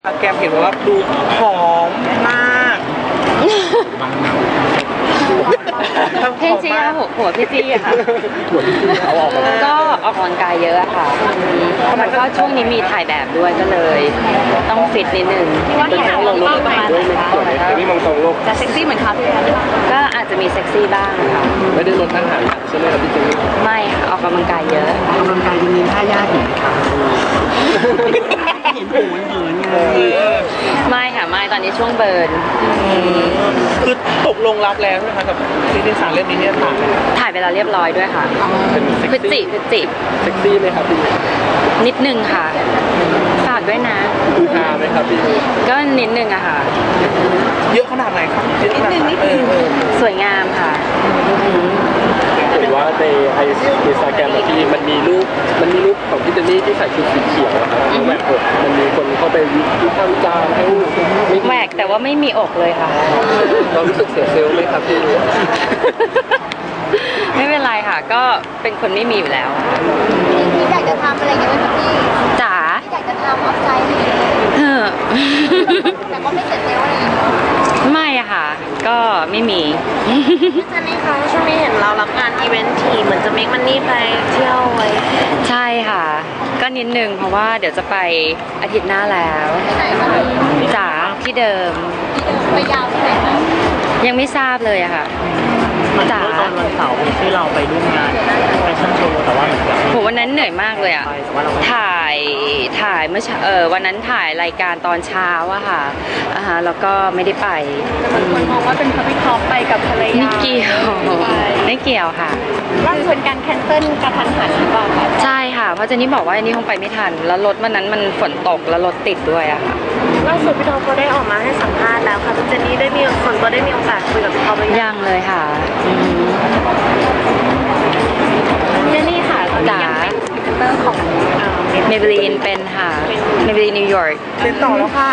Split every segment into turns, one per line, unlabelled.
แกมเห็นว่าดูหอมมาก
พี่จี้หัวพี่จี้อะค่ะก็ออกกำลังกายเยอะค่ะแล้วก็ช่วงนี้มีถ่ายแบบด้วยก็เลยต้องฟิตนิดนึง
ว่าที่หางลงประมาณไหนคะ
นี่มองตรงโลก
จะเซ็กซี่เหมือนเขาเลย
ก็อาจจะมีเซ็กซี่บ้างค่ะ
ไม่ได้ลดอาหารใช่ไหมครับพี่จี้
ไม่ค่ะออกกำลังกายเยอะ
ออกกำลังกายยังมีท่ายากอยู่ไหมคะเห็นหูมันเหินไง
ไม่ค่ะไม่ตอนนี้ช่วงเบิร์น
คือตกลงรับแล้วใช่ไหมคะกับซีรีส์3เล่มนี้เนี่ย
ถ่ายไปแล้วเรียบร้อยด้วยค่ะพฤศจิ
เซ็กซี่ไหมครับพี่
นิดนึงค่ะฝากด้วยนะ
คือฮาไหมครับพี่
ก็นิดนึงอะค่ะ
เยอะขนาดไหนครับ
นิดนึง
สวยงามค่ะ
เห็นว่าในอินสตาแกรมที่มันมีรูปของพี่เจนนี่ที่ใส่ชุดสีเขียวนะครับแหวกอกมันมีคนเข้าไปวิพากษ์วิจารณ์ให้
แหวกแต่ว่าไม่มีอกเลยค่ะ
เรารู้สึกเสียเซลล์ไหมครับพี่
ไม่เป็นไรค่ะก็เป็นคนไม่มีอยู่แล้ว
พี่อยากจะทำอะไรกันไหมคะพี่
จ๋า
อยากจะทำออฟไซด์แต่ก็ไม่เสร็จเร็วอะไร
ไม่อะค่ะก็ไม่มี
จะนี่คะช่วงนี้เห็นเรารับงานอีเวนต์ทีเหมือนจะเมคมันนี่ไปเที่ยวไว้
ใช่ค่ะก็นิดนึงเพราะว่าเดี๋ยวจะไปอาทิตย์หน้าแล้วจ๋าที่เดิม
ไปยาวที่ไหนคะ
ยังไม่ทราบเลยอะค่ะ
จ๋าตอนวันเสาร์ที่เราไปร่วมงานแฟชั่นโชว์แต่ว่าเหมือนกับ
โหวันนั้นเหนื่อยมากเลยอะถ่ายเมื่อวันนั้นถ่ายรายการตอนเช้าอะค่ะแล้วก็ไม่ได้ไป
คนมองว่าเป็นพพี่ท็อปไปกับภรรยา
ไม่เกี่ยวค่ะ
ว่าเป็นการแคนเซิลกระทันหันหรือเปล่าคะ
ใช่ค่ะเพราะเจนนี่บอกว่าอันนี้คงไปไม่ทันแล้วรถวันนั้นมันฝนตกแล้วรถติดด้วยอะค่ะ
ล่าสุดพี่ท็อปก็ได้ออกมาให้สัมภาษณ์แล้วค่ะเจนนี่ได้มีคนก็ได้มีโอกาสคุยกับพี่ท็อป
ยังเลยค่ะ
เจนนี่ค่ะ
จ๋า
เตอร์ของ
เมเบลีนเป็นค่ะเมเบลีนนิวยอร์ก
เป็นต่อแล้วค่ะ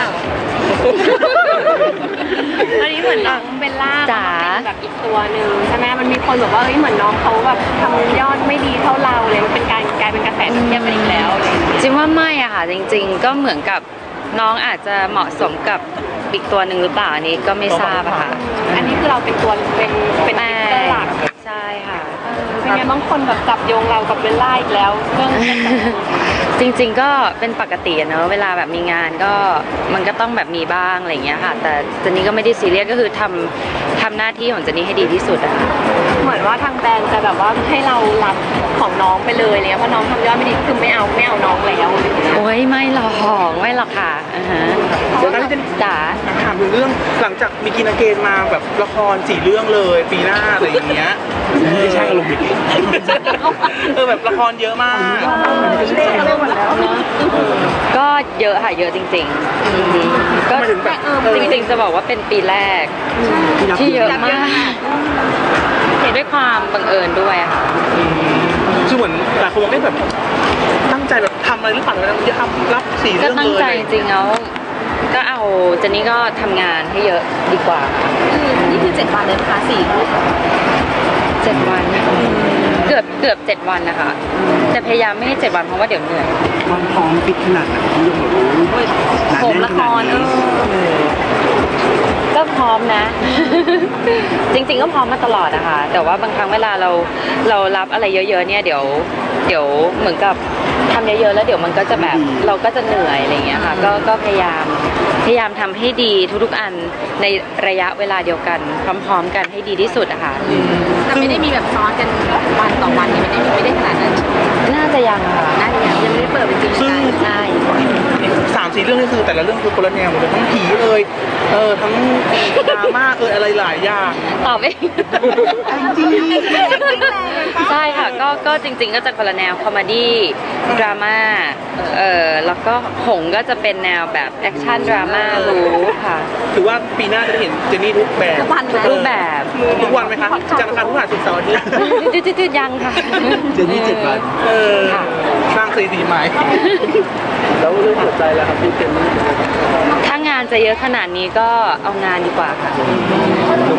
ตอนนี้เหมือนน้องเบลล่าเป็นแบบอีกตัวหนึ่งใช่ไหมมันมีคนบอกว่าเฮ้ยเหมือนน้องเขาแบบทำยอดไม่ดีเท่าเราเลยมันเป็นการกลายเป็นกระแสเทียบกันอีกแล้ว
จริงว่าไม่อะค่ะจริงๆก็เหมือนกับน้องอาจจะเหมาะสมกับอีกตัวหนึ่งหรือเปล่าอันนี้ก็ไม่ทราบอะค่ะ
อันนี้คือเราเป็นตัวเป็นหลัก
ใช่ค่ะ
เป็นไงบางคนแบบจับโยงเรากับเบลล่าอีกแล้วเรื่อง
จริงๆก็เป็นปกติเนอะเวลาแบบมีงานก็มันก็ต้องแบบมีบ้างอะไรอย่างเงี้ยค่ะแต่เจนนี่ก็ไม่ได้ซีเรียสก็คือทำหน้าที่ของเจนนี่ให้ดีที่สุดอะ
เหมือนว่าทางแบรนด์จะแบบว่าให้เรารับของน้องไปเลยเนี่ยเพราะน้องทำยอดไม่ดีคือไม่เอาน้องแล้ว
โอ้ยไม่หรอกค่ะ
เดี๋ยวนั้นจะ
จ๋า
ถามถึงเรื่องหลังจากมีกินอาเกนมาแบบละคร4 เรื่องเลยปีหน้าอะไรอย่างเงี้ยไม่ใช่ลงดิแบบละครเยอะมาก
ก็เยอะค่ะเยอะจริงๆก็จริงๆจะบอกว่าเป็นปีแรกที่เยอะมากด้วยความบังเอิญด้วยค่ะ
คือเหมือนหลายคนบอกได้แบบตั้งใจแบบทำอะไรหรือเปล่าจะทำรับ4 เรื่องเลยก็
ตั้งใจจริงๆแล้วก็เอาเจนนี่ก็ทำงานให้เยอะดีกว่า
นี่คือ7 วันเลยนะคะ
7 วันเกือบ7 วันนะคะแต่พยายามไม่ให้7 วันเพราะว่าเดี๋ยวเหนื่อย
ความพร้อมฟิตขนาดไหนที่ยังแบบ
ผมละคร
ก็พร้อมนะจริงๆก็พร้อมมาตลอดนะคะแต่ว่าบางครั้งเวลาเรารับอะไรเยอะๆเนี่ยเดี๋ยวเหมือนกับทำเยอะๆแล้วเดี๋ยวมันก็จะแบบเราก็จะเหนื่อยอะไรอย่างเงี้ยค่ะก็พยายามทำให้ดีทุกๆอันในระยะเวลาเดียวกันพร้อมๆกันให้ดีที่สุดอะค่ะ
แต่ไม่ได้มีแบบซ้อนกันวันต่อวันนี่ไม่ได้ขนาดนั้น
น่าจะยังค่ะ
น่าจะยังไม่ได้เปิดเป็นจริง
ใช่
3-4 เรื่องนี่คือแต่ละเรื่องคือคนละแนวหมดเลยทั้งผีทั้งดราม่าอะไรหลายอย่าง
ตอบเอง
จริง
ใช่ค่ะก็จริงๆก็จะคนละแนวคอมเมดี้ดราม่าแล้วก็หงก็จะเป็นแนวแบบแอคชั่นดราม่ารู้ค่ะ
ถือว่าปีหน้าจะเห็นเจนนี่ทุกแบบ
รูปแบบ
ทุกวันไหมคะจันทร์อังคารพฤหัสศุกร์เสาร์อาทิตย์
จืดยังค่ะ
เจนนี่7 วัน
สร้างสีใหม่แล้วเรื่องหัวใจแล้วครับพี่เจนนี่
ถ้างานจะเยอะขนาดนี้ก็เอางานดีกว่าค่ะ
เ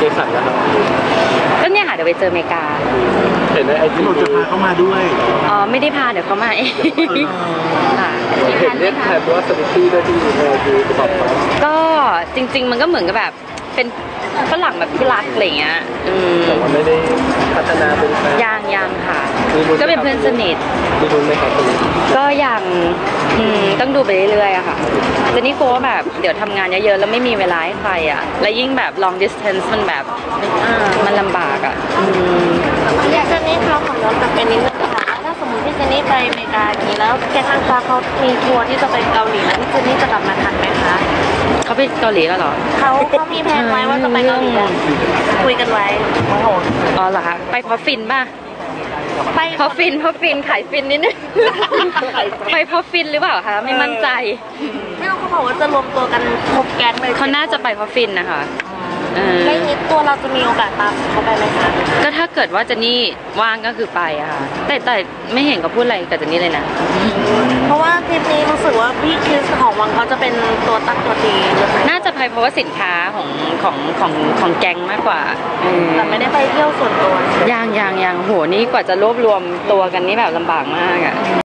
สันนะครับ
ก็เนี่ยค่ะเดี๋ยวไปเจออเมริกา
เห็นในไอจี
ที่เราจะพาเข้ามาด้วย
อ๋อไม่ได้พาเดี๋ยวเขามาเองค่ะ
เห็นเรียกแทนว่าสวิตตี้ด้วยที่ดูตอบมา
ก็จริง ๆ มันก็เหมือนกับแบบเป็นฝรั่งแบบที่รักอะไรเงี้ย
แต่ว่าไม่ได้พัฒนาเป็นแฟน
ยังค่ะ ก็เป็นเพื่อนสนิท
มีรุ้นไหมครับตรงนี้
ก็ยังต้องดูไปเรื่อยๆอะค่ะแต่นี่กลัวว่าแบบเดี๋ยวทำงานเยอะๆแล้วไม่มีเวลาให้ใครอะและยิ่งแบบ long distance มันแบบมันลำบากอะ
พี่เจนนี่เขาของน้องกับเป็นนิดนึงค่ะถ้าสมมติพี่เจนนี่ไปอเมริกาอย่างนี้แล้วแกทางฟ้าเขามีทัวร์ที่จะไปเกาหลีแล้วพี่เจนนี่จะกลับมาทันไหมคะ
เขาไปเกาหลีแล้วเหรอ
เขามีแผนไว้ว่าจะไปเกาหลีแล้วคุยกันไว้
อ๋อเหรอคะไปเพราะฟินป่ะ
ไป
เพราะฟินขายฟินนิดนึงไปเพราะฟินหรือเปล่าคะไม่มั่นใจ
ไม่รู้เขาบอกว่าจะรวมตัวกันครบแก๊งเลย
เขาน่าจะไปเพราะฟินนะคะ
แล้วนี้ตัวเราจะมีโอกาสตามเขาไปไหมคะ
ก็ถ้าเกิดว่าเจนนี่ว่างก็คือไปอะค่ะแต่ไม่เห็นเขาพูดอะไรกับเจนนี่เลยนะ
เพราะว่าทริปนี้รู้สึกว่าพี่คริสของวังเขาจะเป็นตัวตั้งตัวตีเลยไหม
น่าจะไปเพราะว่าสินค้าของแก๊งมากกว่า
แต่ไม่ได้ไปเที่ยวส่วนตัว
ยังโหนี่กว่าจะรวบรวมตัวกันนี่แบบลำบากมากอะ